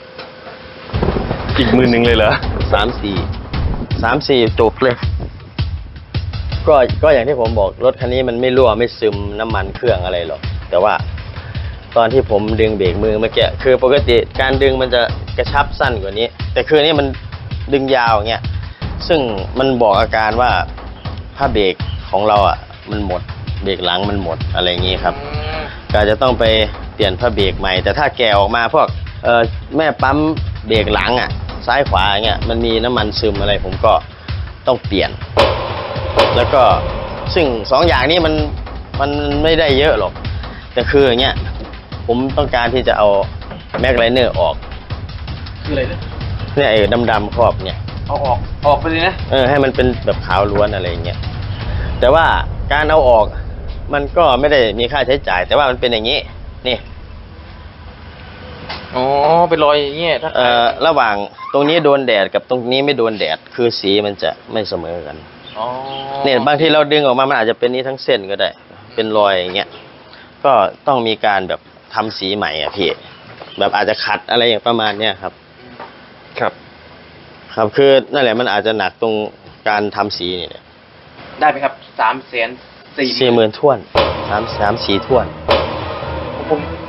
S5: อีกหมื่นหนึ่งเลยเหรอ
S2: สามสี่สามสี่จบเลย ก็ก็อย่างที่ผมบอกรถคันนี้มันไม่รั่วไม่ซึมน้ำมันเครื่องอะไรหรอกแต่ว่า ตอนที่ผมดึงเบรกมือเมื่อกี้คือปกติการดึงมันจะกระชับสั้นกว่านี้ แต่คือนี้มันดึงยาวอย่างเงี้ยซึ่งมันบอกอาการว่าผ้าเบรกของเราอ่ะมันหมดเบรกหลังมันหมดอะไรอย่างงี้ครับก็อาจจะต้องไปเปลี่ยนผ้าเบรกใหม่แต่ถ้าแกะออกมาพวกเอ่อแม่ปั๊มเบรกหลังอ่ะซ้ายขวาอย่างเงี้ยมันมีน้ำมันซึมอะไรผมก็ต้องเปลี่ยน แล้วก็ซึ่งสองอย่างนี้มันมันไม่ได้เยอะหรอกแต่คืออย่างเงี้ยผมต้องการที่จะเอาแม็กไลเนอร์ออก
S3: คืออะไรเนี่ย
S2: เนี่ยไอ้ดำๆครอบเนี่ย
S3: เอาออกออกไปเลยนะ
S2: เออให้มันเป็นแบบขาวล้วนอะไรอย่างเงี้ยแต่ว่าการเอาออกมันก็ไม่ได้มีค่าใช้จ่าย แต่ว่ามันเป็นอย่างนี้นี่
S3: อ๋อเป็นรอยอย่างเงี้ยถ้า
S2: เอ่อระหว่างตรงนี้โดนแดดกับตรงนี้ไม่โดนแดดคือสีมันจะไม่เสมอกัน
S3: อ๋อ
S2: เนี่ยบางทีเราดึงออกมามันอาจจะเป็นนี้ทั้งเส้นก็ได้ เป็นรอยอย่างเงี้ยก็ต้องมีการแบบทำสีใหม่อ่ะพี่แบบอาจจะขัดอะไรอย่างประมาณเนี้ยครับ
S5: ครับ
S2: ครับคือนั่นแหละมันอาจจะหนักตรงการทำสีนี่แหละ
S3: ได้ไหมครับสามแสนสี่
S2: สี่หมื่นท่วนสามสามสีท่วน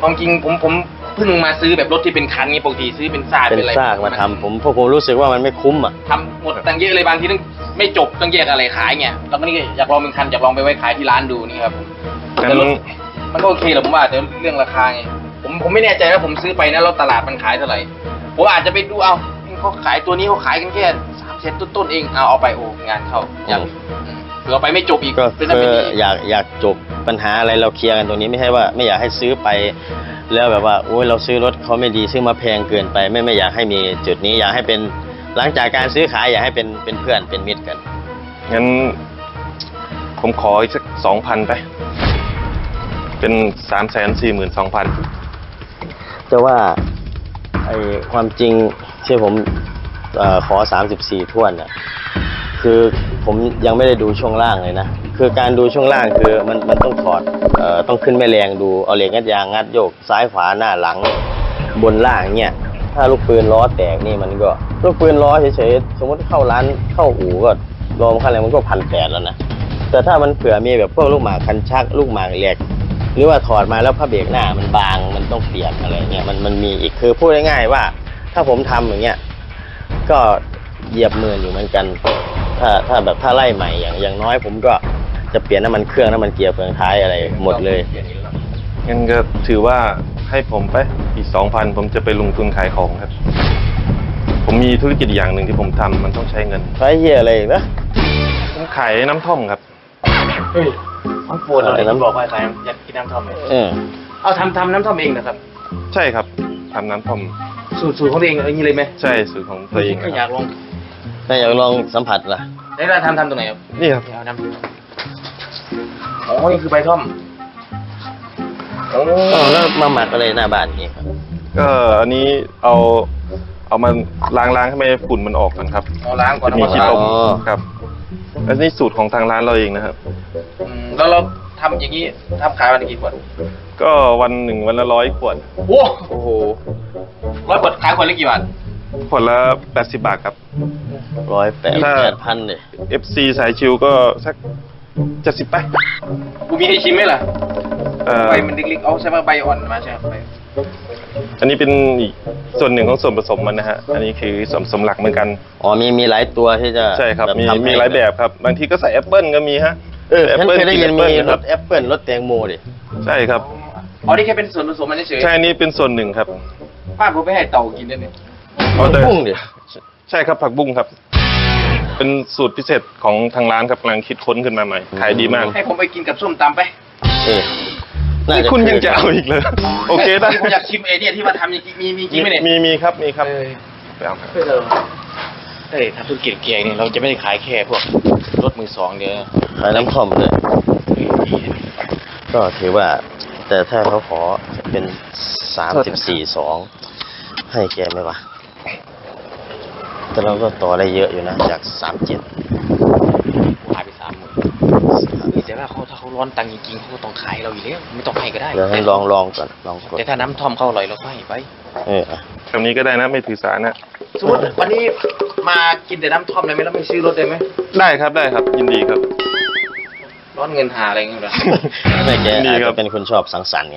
S3: ความจริงผมผมเพิ่งมาซื้อแบบรถที่เป็นคันนี้ปกติซื้อเป็นซาก
S2: เป็น
S3: เป็นอะไร
S2: ซากมาทำผมพวกผมรู้สึกว่ามันไม่คุ้มอ่ะ
S3: ทำหมดตั้งเยอะเลยบางทีต้องไม่จบต้องแยกอะไรขายเงี้ยแล้วก็นี่ก็อยากลองเป็นคันอยากลองไปไว้ขายที่ร้านดูนี่ครับผม
S5: งั้
S3: แต่
S5: น
S3: รถมันก็โอเคแหละผมว่าแต่เรื่องราคาไงผมผมไม่แน่ใจว่าผมซื้อไปนะแล้วตลาดมันขายเท่าไหร่ผมอาจจะไปดูเอาเขาขายตัวนี้เขาขายกันแค่สามเซนต้นๆเองเอาเอาไปโอ้งานเข้าอยาก
S2: อืม
S3: เผื่อเอาไปไม่จบอีก
S2: ก็
S3: เป็นนั่น
S2: คื
S3: เป็น
S2: อ
S3: นี่
S2: อยากอยากจบปัญหาอะไรเราเคลียร์กันตรงนี้ไม่ใช่ว่าไม่อยากให้ซื้อไป แล้วแบบว่าโอ้ยเราซื้อรถเขาไม่ดีซื้อมาแพงเกินไป ไม่ไม่อยากให้มีจุดนี้อยากให้เป็นหลังจากการซื้อขายอยากให้เป็นเป็นเพื่อนเป็นมิตรกัน
S5: งั้น ผมขออีกสักสองพันไป เป็นสามแสนสี่หมื่นสองพัน
S2: แต่ว่าไอความจริงที่ผมเออขอสามสิบสี่ถ้วนน่ะคือผมยังไม่ได้ดูช่วงล่างเลยนะคือการดูช่วงล่างคือมันมันต้องถอดเอ่อต้องขึ้นแม่แรงดูเอาเหล็กงัดยางงัดโยกซ้ายขวาหน้าหลังบนล่างเนี่ยถ้าลูกปืนล้อแตกนี่มันก็ลูกปืนล้อเฉยๆสมมติเข้าร้านเข้าอู่ก็รวมค่าแรงมันก็พันแปดแล้วนะแต่ถ้ามันเผื่อมีแบบพวกลูกหมากคันชักลูกหมากเหล็กหรือว่าถอดมาแล้วผ้าเบรกหน้ามันบางมันต้องเปลี่ยนอะไรเงี้ยมันมันมีอีกคือพูดง่ายๆว่าถ้าผมทำอย่างเงี้ยก็เหยียบหมื่นอยู่เหมือนกันถ้าถ้าแบบถ้าไล่ใหม่อย่างอย่างน้อยผมก็จะเปลี่ยนน้ำมันเครื่องน้ำมันเกียร์เฟืองท้ายอะไรหมดเลย
S5: งั้นก็ถือว่าให้ผมไปอีกสองพันผมจะไปลงทุนขายของครับ ผมมีธุรกิจอย่างหนึ่งที่ผมทำมันต้องใช้เงิน
S2: ใช้เหี้ยอะไรอีกนะ
S5: ผมขายน้ำท่อมครับ
S3: เฮ้ยน้ำโฟนอะไรน้ำบอกว่าใครอยากกินน้ำท่อมเลย
S2: เออ
S3: เอาทำทำน้ำท่อมเองนะครับ
S5: ใช่ครับทำน้ำท่อม
S3: สูตรสูตรของตัวเองอะไรอย่างนี้เลยไหม
S5: ใช่สูตรของตัวเอง
S3: ก็
S5: นะ
S3: อ
S5: ค
S3: ยา
S5: รับ
S3: กลอง
S2: ถ้าอยากลองสัมผัสล่ะ
S3: แล้วเราทำทำตรงไหนครับ
S5: นี่ครับ
S3: เอาน้ำอ๋อนี่คือใบท่อมโอ้
S2: อ๋อแล้วมาหมักอะไรหน้าบ้านนี่ครับ
S5: ก็อันนี้เอาเอามาล้างล้างให้ไม่ให้ฝุ่นมันออกกันครับ
S3: เอาล้างก่อน
S5: จะมี
S3: เอา
S5: ขี้
S3: ล้าง
S5: ตมครับอันนี้สูตรของทางร้านเราเองนะครับ
S3: อืมแล้วเราทำอย่างนี้ทำขายวันละกี่ขวด
S5: ก็วันหนึ่งวันละร้อยขวด
S3: โอ้โอ้โหร้อยขวดขายขวดละกี่บาท
S5: ขวดละแปดสิบบาทครับ
S2: ร้อยแปด
S5: ถ้า
S2: แปดพันเลย
S5: เอฟ ซี สายชิวก็สักเจ็ดสิบไป
S3: กูมีให้ชิมไหมล่ะ
S5: เอ่อ
S3: ใบมันเล็กๆเอาใช่ไหมใบอ่อนมาใช่ไหมใบ
S5: อันนี้เป็นอีกส่วนหนึ่งของส่วนผสมมันนะฮะ อันนี้คือส่วนผสมหลักเหมือนกัน
S2: อ๋อมีมีหลายตัวที่จะ
S5: ใช่ครับ มี
S2: ทำให้
S5: มีหลายแบบครับ บางทีก็ใส่แอปเปิลก็มีฮะ
S2: เออ
S5: แอป
S2: ฉัน
S5: เปิล
S2: เคยได้ยิน
S5: กิ
S2: มี
S5: แอปเปิล
S2: ร
S5: ครั
S2: ถ
S5: บ
S2: แอปเปิลรถแตงโมดิ
S5: ใช่ครับ
S3: อ๋อนี่แค่เป็นส่วนผสมมันเฉย
S5: ใช่นี่เป็นส่วนหนึ่งครับ
S3: ๆป้าผมไปให้เต่ากินได้ไหม
S5: เอาแต่
S2: พุ่งดิ
S5: ใช่ครับผักบุ้งครับ เป็นสูตรพิเศษของทางร้านครับกำลังคิดค้นขึ้นมาใหม่ ขายดีมาก
S3: ให้ผมไปกินกับส้มตำไป
S2: เออน่า
S5: นี่
S2: จะ
S5: คุณยังจะเอาอีกเลย โอเคได้
S3: ผมอยากชิมไอเนี่ยที่ว่าทำจริงๆมีมีจริงไหมเนี่ย
S5: มีมีครับมีครับ
S3: เออ
S5: ไปเอาครับ
S3: เออเฮ้ยทำธุรกิจเกียร์เนี่ยเราจะไม่ได้ขายแค่พวกรถมือสองเดียว
S2: ขายน้ำท่อมเลยก็ถือว่า แต่ถ้าเขาขอเป็นสามสิบสี่สองให้แกไหมวะแต่เราก็ต่อได้เยอะอยู่นะจากสามเจ็ด
S3: ขายไปสามหมื่นแต่ว่าเขาถ้าเขาร้อนตังค์จริงๆเขาก็ต้องขายเราอยู่แล้วไม่ต้องให้ก็ได้
S2: เดี๋ยวให้ลองลองก่อนลองกด
S3: แต่ถ้าน้ำท่อมเขาอร่อยเราก็ให้ไป
S2: เอออ่ะ
S5: คำนี้ก็ได้นะไม่ถือสานะ
S3: สมมติวันนี้มากินแต่น้ำท่อมเลยไหมแล้วไม่ซื้อรถเลยไหม
S5: ได้ครับได้ครับ ยินดีครับ
S3: ร้อนเงินหาอะไรเงี้ยเหรอ
S2: ไม่แก
S5: ดี
S2: อาจ
S5: ครั
S2: จะ
S5: บ
S2: เป็นคนชอบสังสรรค์ไง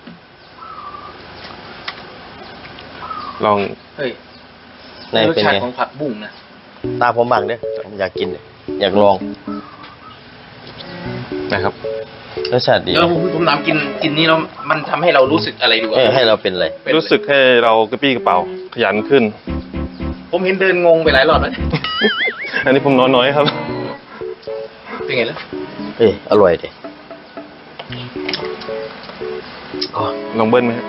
S5: ลอง
S3: เฮ้ย
S2: ใน
S3: รส
S2: เป็น
S3: ชาติ
S2: ไง
S3: ของผักบุ้งนะ
S2: ตาผมบังเด้อผมอยากกินเลยอยากลอง
S5: นะครับ
S2: รสชาติดี
S3: เดี๋ยวผมผมถามกินกินนี้แล้วมันทำให้เรารู้สึกอะไรดู
S2: เออให้เราเป็นอะไร
S3: เป็น
S5: รู้สึกให้เรากระปี้กระเป๋าขยันขึ้น
S3: ผมเห็นเดินงงไปหลายรอบแล้ว
S5: อันนี้ผมนอนน้อยครับ
S3: เป็นไงล่ะ
S2: เอ้ยอร่อยดิ
S3: อ๋อ
S5: ลองเบิ้ลไหมฮะ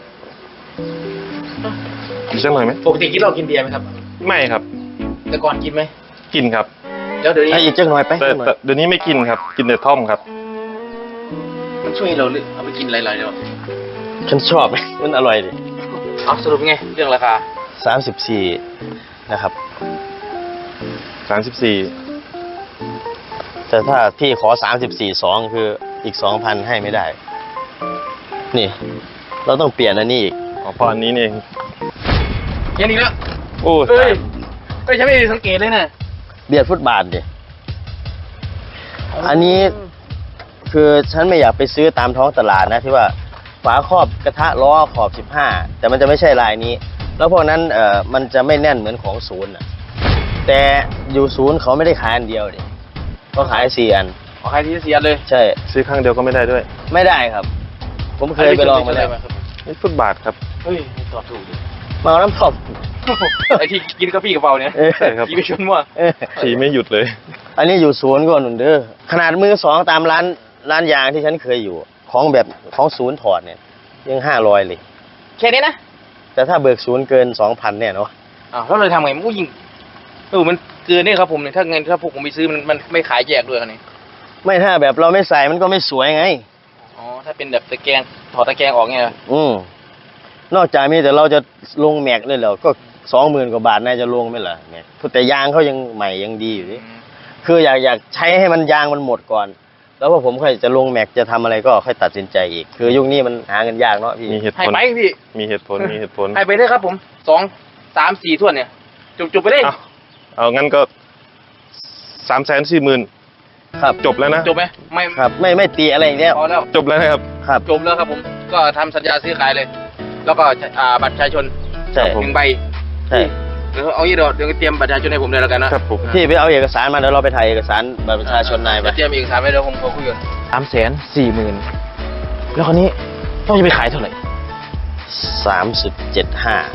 S5: อีกสักหน่อยไหม
S3: ปกติกินเหล้ากินเบียร์ไหมครับ
S5: ไม่ครับ
S3: แต่ก่อนกินไหม
S5: กินครับ
S3: แล้วเดี๋ยวนี้
S2: ให้อีกจักหน่อยไป
S5: แต่
S2: จักหน่อย
S5: แต่เดี๋ยวนี้ไม่กินครับ กินแต่ท่อมครับ
S3: มันช่วยให้เราเลือกเอาไปกินหลายๆเดี๋ยว
S2: ฉันชอบ มันอร่อยดิ
S3: เอาสรุปไงเรื่องราคา
S2: สามสิบสี่นะครับ
S5: สามสิบสี่
S2: แต่ถ้าพี่ขอสามสิบสี่สองคืออีกสองพันให้ไม่ได้ นี่ เราต้องเปลี่ยนอันนี้อีก
S5: อ๋อพออันนี้นี่เอง
S3: แค่นี้แล้ว
S5: โอ้
S3: เอ้ยก็ฉันไม่ได้สังเกตเลยนะ
S2: เบียดฟุตบาทดิอันนี้คือฉันไม่อยากไปซื้อตามท้องตลาดนะที่ว่าฝาครอบกระทะล้อขอบสิบห้าแต่มันจะไม่ใช่ลายนี้ แล้วพวกนั้นเอ่อมันจะไม่แน่นเหมือนของศูนย์อ่ะแต่อยู่ศูนย์เขาไม่ได้ขายอันเดียวดิเขาขายสี่อัน
S3: ขอใครที่เสียเลย
S2: ใช่
S5: ซื้อครั้งเดียวก็ไม่ได้ด้วย
S2: ไม่ได้ครับ ผมเคยไปลองมาแล้ว
S5: นี่ฟุตบาทครับ
S3: เฮ้ยตอบถูกดิ
S2: มาเอาน้ำส้ม
S3: ไอที่กินกาแฟกระเป๋าเนี่ย
S2: เออ
S5: ใช่ครับ
S3: กินไปชนมั่ว
S2: เออ
S5: ขี่ไม่หยุดเลย
S2: อันนี้อยู่ศูนย์ก่อนหนุนเด้อขนาดมือสองตามร้านร้านยางที่ฉันเคยอยู่ ของแบบของศูนย์ถอดเนี่ยยังห้าร้อยเลย
S3: แค่นี้นะ
S2: แต่ถ้าเบิกศูนย์เกินสองพันเนี่ยเนาะ
S3: อ้าวแล้วเราทำไงมันก็ยิงเออมันเกินเนี่ยครับผมเนี่ยถ้าเงินถ้าพวกผมไปซื้อมันมันไม่ขายแยกด้วยกันนี่
S2: ไม่ถ้าแบบเราไม่ใส่มันก็ไม่สวยไง
S3: อ๋อถ้าเป็นแบบตะแกรงถอดตะแกรงออกเนี่ย
S2: อืมนอกจากมีแต่เราจะลงแม็กเลยเหรอก็สองหมื่นกว่าบาทน่าจะลงไหมล่ะแม็กแต่ยางเขายังใหม่ยังดีอยู่ดิคืออยากอยากใช้ให้มันยางมันหมดก่อน แล้วพอผมค่อยจะลงแม็กจะทำอะไรก็ค่อยตัดสินใจอีก คือยุคนี้มันหาเงินยากเนาะพี่
S5: มีเหตุ
S3: ให้
S5: ผล
S3: ไปพี่
S5: มีเหตุผล มีเหตุผล
S3: ให้ไปเลยครับผมสองสามสี่ถ้วนเนี่ยจุบจุบไปเลย
S5: เอาเอางั้นก็สามแสนสี่หมื่น
S2: ครับ
S5: จบแล้วนะ
S3: จบไหมไม่
S2: ครับไม่ไม่ตีอะไรอย่างเงี้ย
S3: พอแล้ว
S5: จบแล้วนะครับ
S2: ครับ
S3: จบแล้วครับผมก็ทำสัญญาซื้อขายเลย แล้วก็อ่าบัตรประชาชน
S2: ใช่
S3: หนึ่งใบ
S2: ใช่
S3: เดี๋ยวเอางี้เดี๋ยวเดี๋ยวเตรียมบัตรประชาชนให้ผมเลยแล้วกันนะครับ
S5: ผม
S2: พี่ไปเอาเอกสารมาเดี๋ยวเราไปถ่ายเอกสารบัตรประชาชนนายไป
S3: จะเตรียมเอกสารไว้เดี๋ยวผมขอคุยกันสามแสนสี่หมื่นแล้วคราวนี้ต้องจะไปขายเท่าไหร่
S2: สามสิบเจ็ดห้าก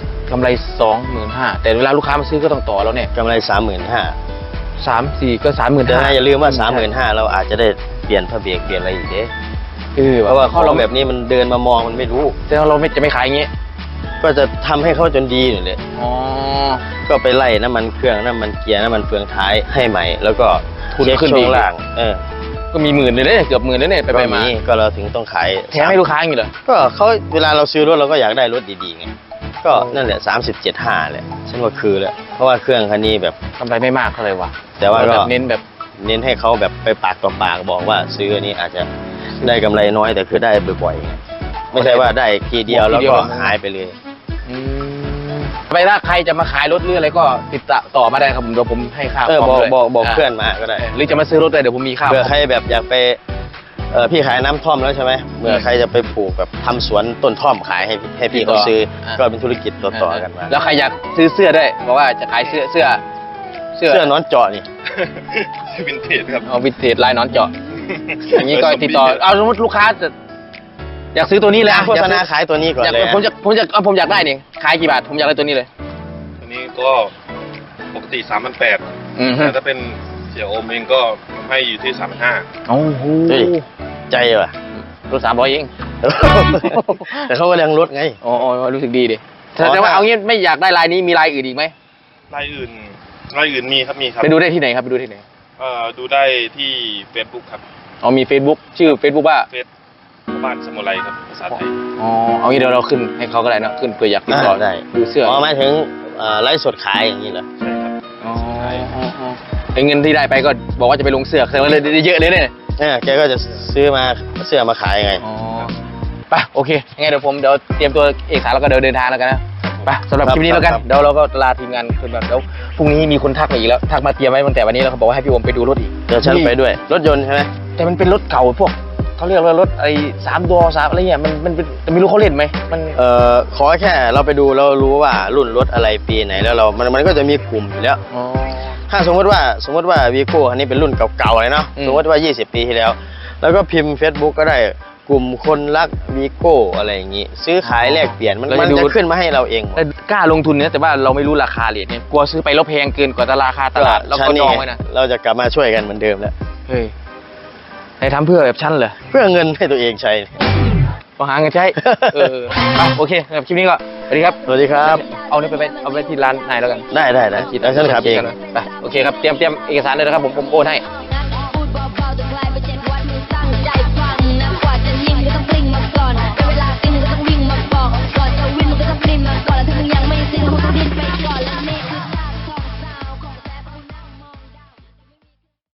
S3: ำไรสองหมื่นห้าแต่เวลาลูกค้ามาซื้อก็ต้องต่อแล้วเนี่ย
S2: กำไรสามหมื่นห้า
S3: สามสี่ก็สามหมื่น
S2: แต่
S3: ห้า
S2: นะอย่าลืมว่าสามหมื่นห้าเราอาจจะได้เปลี่ยนผ้าเบรกเปลี่ยนอะไรอีกเด้
S3: เออ
S2: เพราะว่าข
S3: ข้อ
S2: อง
S3: เรา
S2: แบบนี้มันเดินมามองมันไม่รู้
S3: แต่เราไม่จะไม่ขายอย่างงี้
S2: ก็จะทำให้เขาจนดีนี่แหละ
S3: อ๋อ
S2: ก็ไปไล่น้ำมันเครื่องน้ำมันเกียร์น้ำมันเฟืองท้ายให้ใหม่ แล้วก็
S3: ทุน
S2: เช็ค
S3: ขึ้น
S2: ช่
S3: ดี
S2: วงล่าง เออ
S3: ก็มีหมื่นเลยเนี่ยเกือบหมื่นเลยเนี่ยไป
S2: ก็
S3: ไปมา
S2: มีก็เราถึงต้องขาย
S3: แถมให้ลูกค้าอย่างงี้เหรอ
S2: ก็เขาเวลาเราซื้อรถเราก็อยากได้รถดีๆไงก็นั่นแหละสามสิบเจ็ดห้าแหละฉันว่าคือแหละเพราะว่าเครื่องคันนี้แบบ
S3: กำไรไม่มากเท่าไหร่วะ
S2: แต่ว่าก็
S3: แบบเน้นแบบ
S2: เน้นให้เขาแบบไปปากต่อปากบอกว่าซื้ออันนี้อาจจะได้กำไรน้อยแต่คือได้บ่อยๆไงไม่ใช่ว่าได้ทีเดียวแล้วก็หายไปเลย
S3: อืมไปถ้าใครจะมาขายรถหรืออะไรก็ติดต่อมาได้ครับผมเดี๋ยวผมให้ค่า
S2: เออ
S3: ค
S2: บ
S3: อ
S2: อก
S3: มด้วย
S2: บอกบอก
S3: า
S2: เพื่อนมาก็ได้
S3: หรือจะมาซื้อรถเลยเดี๋ยวผมมีค่า
S2: เผื่อ
S3: คอม
S2: ใครแบบอยากไปเออพี่ขายน้ำท่อมแล้วใช่ไหมเมื่อใครจะไปปลูกแบบทำสวนต้นท่อมขายให้ให้พี่เขาซื้อก็เป็นธุรกิจต่อๆกันมา
S3: แล้วใครอยากซื้อเสื้อด้วยบอกว่าจะขายเสื้อเสื้อ
S2: เสื้อนอนเจาะนี่
S5: วินเทจครับ
S3: เอาวินเทจลายนอนเจาะอย่างนี้ก็ติดต่อเอาสมมติลูกค้าจะอยากซื้อตัวนี้เลยอะ
S2: โฆษณาขายตัวนี้ก่อน
S3: อยาก
S2: เลย
S3: ผมจะผมจะเอาผมอยากได้นี่ขายกี่บาทผมอยากได้ตัวนี้เลย
S5: อันนี้ก็ปกติสามพันแปด
S3: อืม
S5: แต่ถ้าเป็นเสียโอมเองก็ให้อยู่ที่สามพันห้า
S3: โอ้โห
S2: เฮ้ยใจว่ะ
S3: รถสามร้อยเอง
S2: แต่เขาก็ยังลดไง
S3: อ๋ออ๋อรู้สึกดีดิ
S2: อ๋อ
S3: แต่ว่า
S2: ถ้า
S3: เอางี้ไม่อยากได้ลายนี้มีลายอื่นอีกไหม
S5: รายอื่นรายอื่นมีครับมีครับ
S3: ไปดูได้ที่ไหนครับไปดูที่ไหน
S5: เอ่อดูได้ที่ Facebook ครับ
S3: อ๋อมี Facebook ชื่อ Facebook ว่า
S5: เฟซบ้านสมุไรครับภาษาไทย
S3: อ๋อเอางี้เดี๋ยวเราขึ้นให้เขาก็ได้เนอะขึ้นเผื่ออยากติดต่อ
S2: ได้
S3: ดูเสื้อ
S2: อ๋อหมายถึงเอ่อไลฟ์สดขายอย่างนี้เหรอ
S5: ใช่ครับ
S3: อ๋ออ๋อไอ้เงินที่ได้ไปก็บอกว่าจะไปลงเสื้อแสดงว่าเลยได้เยอะเลยเนี่ย
S2: เนี่ยแกก็จะซื้อมาเสื้อมาขายไง
S3: อ๋อไปโอเคยังไงเดี๋ยวผมเดี๋ยวเตรียมตัวเอกสารแล้วก็เดี๋ยวเดินทางแล้วกันนะไปสำหรับ
S2: ครับ
S3: คลิปนี้แล้วกัน
S2: ครับ
S3: เดี๋ยวเราก็ลาทีมงานขึ้นมาเดี๋ยวพรุ่งนี้มีคนทักมาอีกแล้วทักมาเตรียมไว้ตั้งแต่วันนี้แล้วเขาบอกว่าให้พี่โอมไปดูรถอีก
S2: เดี๋ยวฉันไปด้วย รถยนต์ใช่ไหม
S3: แต่มันเป็นรถเก่าพวกเขาเรียกว่ารถไอ้สามดอสามอะไรเงี้ยมันมันเป็นแต่ไม่รู้เขาเล่นไหมมัน
S2: เอ่อขอแค่เราไปดูเรารู้ว่ารุ่นรถอะไรปีไหนแล้วเรา มันมันก็จะมีกลุ่มอยู่แล้ว
S3: อ๋อ
S2: ถ้าสมมติว่าสมมติว่าวีโก้อันนี้เป็นรุ่นเก่าๆเลยเนาะ
S3: อืม
S2: สมมติว่ายี่สิบปีที่แล้ว แล้วก็พิมพ์ Facebook ก็ได้กลุ่มคนรักวีโก้อะไรอย่างงี้ ซื้อขายแลกเปลี่ยนมันมันจะขึ้นมาให้เราเองหมด
S3: แต่กล้าลงทุนเนี่ยแต่ว่าเราไม่รู้ราคาเหรียญเนี่ยกลัวซื้อไปแล้วแพงเกินกว่าตลาดราคาตลาดแล้วก็จองไว้นะ
S2: เราจะกลับมาช่วยกันเหมือนเดิมแล้ว
S3: เฮ้ยไอ้ทำเพื่อแบบชั้นเหรอ
S2: เพื่อเงินให้ตัวเองใช้
S3: พอหาเงินใช้ เอออ่ะโอเคสำหรับคลิปนี้ก็สวัสดีครับ
S2: สวัสดีครับ
S3: เอาเนี่ยไปไปเอาไปที่ร้านนายแล้วกัน
S2: ได้ได้ได้แล้วฉันขับเอง
S3: ไปโอเคครับเตรียมเตรียมเอกสารเลยนะครับผมผมโอนให้